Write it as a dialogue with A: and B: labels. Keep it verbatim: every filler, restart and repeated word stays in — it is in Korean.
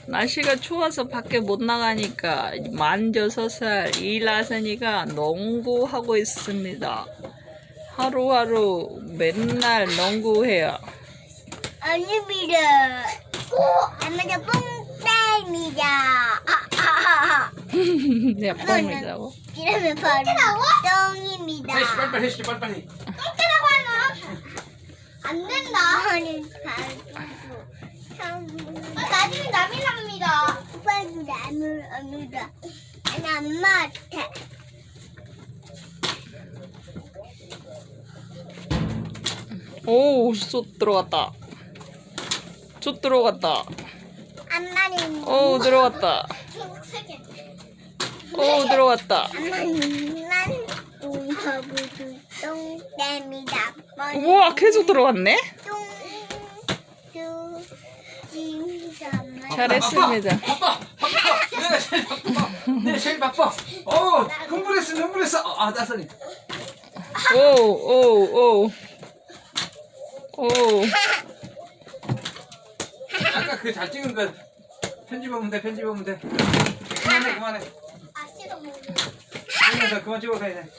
A: 날씨가 추워서 밖에 못 나가니까 만 여섯 살 이라선이가 농구하고 있습니다. 하루하루 맨날 농구해요.
B: 아닙니다. 엄마가 뽕따입니다.
A: 내가 뻥이라고?
B: 이러면 바로 똥입니다.
C: 빨리 빨리 해주지 빨리 빨리.
B: 똥이라고 하면 안 된다. 아니, 나중에 남이 납니다. 오빠도 남을 납니다. 아니, 엄마한테.
A: 오, 쏙 들어갔다. 쏙 들어갔다.
B: 엄마는
A: 오, 들어갔다.
B: 세 개.
A: 오, 들어갔다.
B: 엄마는 똥하고도 똥입니다.
A: 우와, 계속 들어갔네?
B: 똥, 똥, 진짜.
A: 잘했습니다.
C: 바빠 바빠. 내가 제일 바빠. 내가 제일 바빠. 어 흥분했어 흥분했어. 아 나선이.
A: 오, 오, 오. 오.
C: 아까 그 잘 찍은 거 편집하면 돼 편집하면 돼. 그만해 그만해.
B: 아, 싫어.
C: 그만 그만 찍어서 해.